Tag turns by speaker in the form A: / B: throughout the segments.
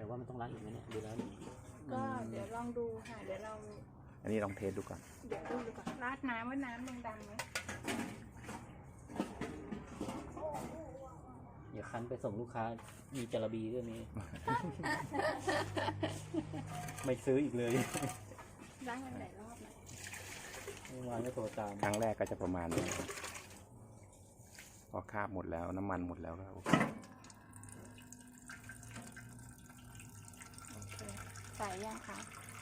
A: แต่ว่ามันต้องล้างอีกไหมเนี่ยดูแล้ว
B: ก็เดี๋ยวลองดูค่ะเดี๋ยวเรา
C: อันนี้ลองเทสดูก่อน
B: เดี๋ยวดูก่อนราดน้ำว่าน้ำยังดังไหม
A: อย่าคั้นไปส่งลูกค้ามีจระบีด้วยนี้ ไม่ซื้ออีกเลย
B: ล้างมันหลายรอบนะ
A: เมื่อวานก็โทรตาม
C: ครั้งแรกก็จะประมาณนี้พอคราบหมดแล้วน้ำมันหมดแล้วก็โอเค
B: โอเคใส่ยังคะ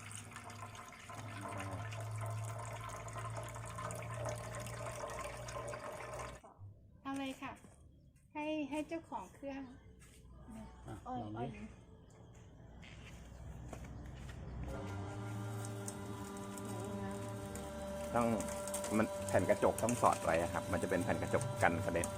B: เอาเลยค่ะให้เจ้าของเครื่อง
A: อ่ะ
B: อ้อย
A: ลอง
B: อ้อ
A: ดิ
B: ย
C: ต้องมันแผ่นกระจกต้องสอดไว้ครับมันจะเป็นแผ่นกระจกกันกระเด็น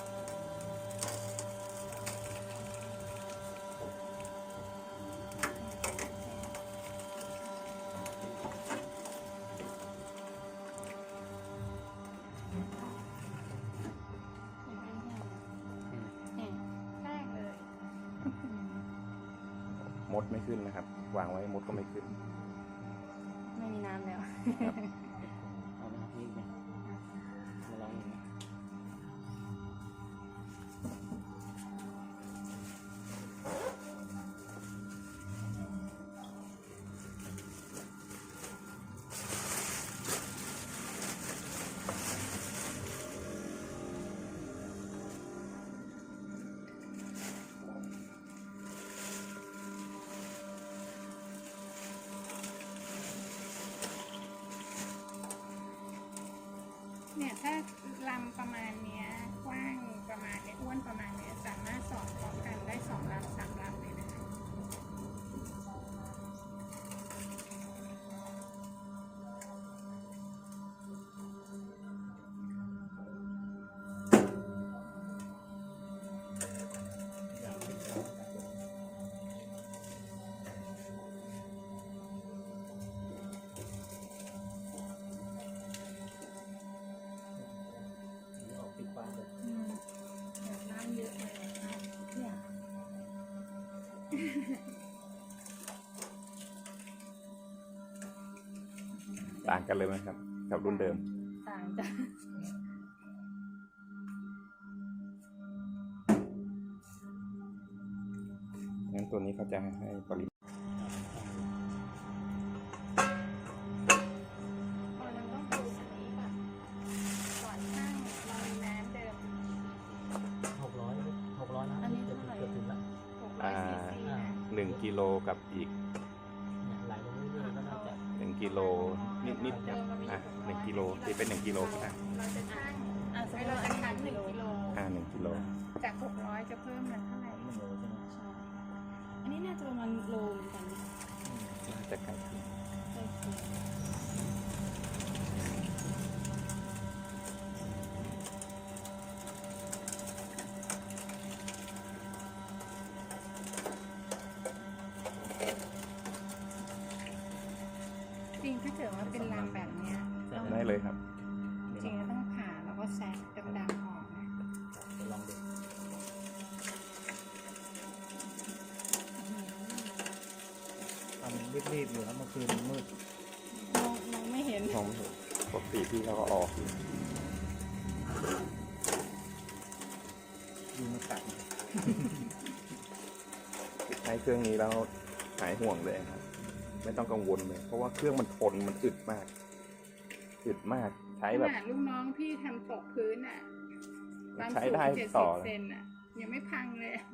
B: แรกเลย
C: มดไม่ขึ้นนะครับวางไว้มดก็ไม่ขึ้น
B: ไม่มีน้ำแล้ว
A: เอาไปนี่ไงมาลองดูนะ
B: เนี่ยถ้าลำประมาณเนี้ยกว้างประมาณเนี้ยอ้วนประมาณเนี้ยสามารถสอดพร้อมกันได้2 ลำ 3 ลำเลยนะคะ
A: ออกปิดปากเลย
B: น้ำเยอะเลยเนี่ย
C: ต่างกันเลยไหมครับกับรุ่นเดิม
B: ต่างจ้ะ
C: งั้นตัวนี้เขาจะให้ปริมาณ
B: เราต้องดูอันนี้ก่อนก่อนช่างเรามีน้ำเดิม
A: 600นะ
B: อันนี้เท่าไหร่
A: เกือบถึงละ
B: 600 ซีซีนะ
C: 1 กิโลกับอีก
A: เนี่ยไหลลงเรื่อยๆก็น่าจะ
C: 1 กิโลนิดๆครับ1 กิโลที่เป็น1 กิโลก็ได้
B: เราจะช่างเราจะคั้น1 กิโล
C: 1 กิโล
B: จาก600จะเพิ่มมันเท่าไหร่
A: 1 โลใช่ไหม
B: ใช่อันนี้น่าจะประมาณโลเหมือนกันนะ
C: น่าจะใกล้เคียง
B: ใช่ค่ะจริงถ้าเกิดว่าเป็นลำแบบเนี้ยต้อง
C: ได้เลยครับ
B: จริงๆต้องผ่าแล้วก็แซะดำๆออกนะ
A: เดี๋ยวลองดูทำรีบๆอยู่แล้วเมื่อคืนมันมืด
B: มองไม่เห็น
C: ของปกติพี่เขาก็ออกอยู่
A: ยุงมากัด
C: ใช้เครื่องนี้แล้วหายห่วงเลยครับ ไม่ต้องกังวลเลย เพราะว่าเครื่องมันทนมันอึดมาก อึดมากใช้
B: ข
C: แบบ
B: นาดลูกน้องพี่ทำตกพื้นอ่ะความ
C: ใช้
B: สูง
C: ได้
B: 70
C: ต่อเลย
B: เซนอ่ะยังไม่พังเลยอะ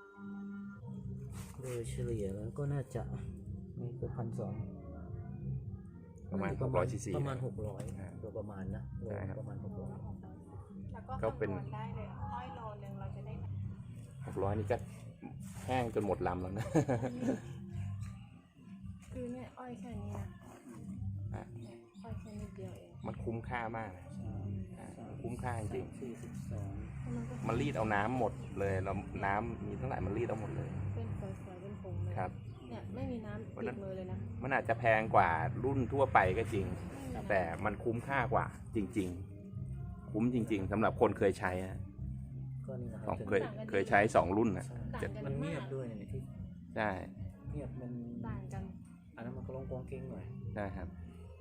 A: โดยเฉลี่ยแล้วก็น่าจะไม่เกิน1,200
C: ประมาณ600 ซีซี
A: ประมาณ600โดยประมาณนะโล
C: ใช่ครับ
A: ประมาณ600
B: แล้วก็
C: ก็เป็น
B: คำนวณได้เลยอ้อยโลนึงเราจะได้
C: 600นี่ก็แห้งจนหมดลำแล้วนะ
B: คือเนี่ยอ้อยแค่นี้นะ
C: อ่ะ
B: อ้อยแค่นิดเดียวเอง
C: มันคุ้มค่ามากมันคุ้มค่าจริง
A: 42
C: มันรีดเอาน้ำหมดเลยแล้วน้ำมีเท่าไหร่มันรีดเอาหมดเลย
B: เป็นฝอยๆเป็นผงเลย
C: ครับ
B: เนี่ยไม่มีน้ำติดมือเลยนะ
C: มันอาจจะแพงกว่ารุ่นทั่วไปก็จริง แต่มันคุ้มค่ากว่าจริง ๆ คุ้มจริง ๆสำหรับคนเคยใช้นะ
A: ก็นี่นะค
C: ข
A: รั
C: อบ งเคยใช้2 รุ่นนะ
A: ใช่มันเงียบด้วยเนี่ยที่
C: ใช่ใช่
A: เงียบมัน
B: ต่างกัน
A: อันนั้นมันก็ลงกองเก่งหน่อย
C: ใช่ครับ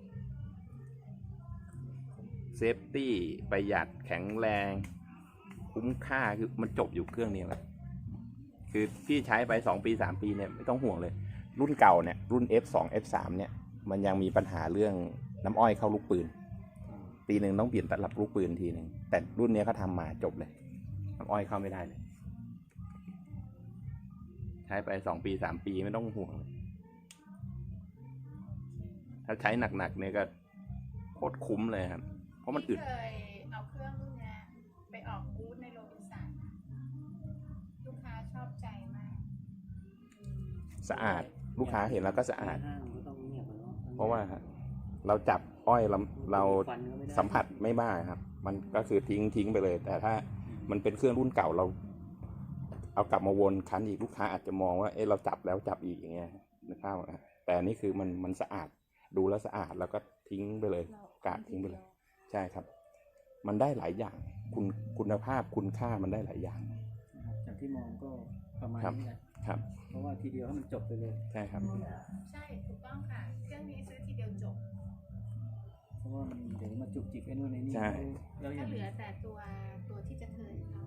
C: เซฟตี้ประหยัดแข็งแรงคุ้มค่าคือมันจบอยู่เครื่องนี้แหละคือพี่ใช้ไป2 ปี 3 ปีเนี่ยไม่ต้องห่วงเลย รุ่นเก่าเนี่ยรุ่น F2 F3 เนี่ยมันยังมีปัญหาเรื่องน้ำอ้อยเข้าลูกปืน ปีหนึ่งต้องเปลี่ยนตลับลูกปืนทีหนึ่งแต่รุ่นนี้เขาทำมาจบเลยน้ำอ้อยเข้าไม่ได้เลย ใช้ไป2 ปี 3 ปีไม่ต้องห่วงเลยถ้าใช้หนักๆเนี่ยก็โคตรคุ้มเลยครับเพราะมันอึด
B: เคยเอาเครื่องรุ่นเนี้ยไปออกบูธในโรบินสันลูกค้าชอบใจมาก
C: สะอาดลูกค้าเห็นแล้วก็สะอาด
A: ห้างมันก็ต้องเงียบอะเนาะ
C: เพราะว่าเราจับอ้อยเรา
A: ฟันก็ไม่ได้
C: สัมผัสไม่บ้าครับ มันก็คือทิ้งไปเลย แต่ถ้ามันเป็นเครื่องรุ่นเก่าเรา เอากลับมาวนคันอีกลูกค้าอาจจะมองว่าเอ๊ะเราจับแล้วจับอีกอย่างเงี้ยนึกภาพออกนะแต่อันนี่คือมันสะอาดดูแล้วสะอาดแล้วก็ทิ้งไปเลยกาดทิ้งไปเลย ใช่ครับ มันได้หลายอย่างคุณภาพคุณค่ามันได้หลายอย่าง
A: นะครับจากที่มองก็ประมาณ
C: ครับ
A: นี้แหละ
C: ครับ
A: เพราะว่าทีเดียวให้มันจบไปเลย
C: ใช่ครับ
B: ใช่ถูกต้องค่ะ เครื่องนี้ซื้อทีเดียวจบ
A: เพราะว่ามันเดี๋ยวมาจุกจิกไอ้นู่นไอ้นี่
C: ใช่
A: แล้วอ
B: ก็
A: ย่าง
B: เหลือแต่ตัวที่จะเทิร์น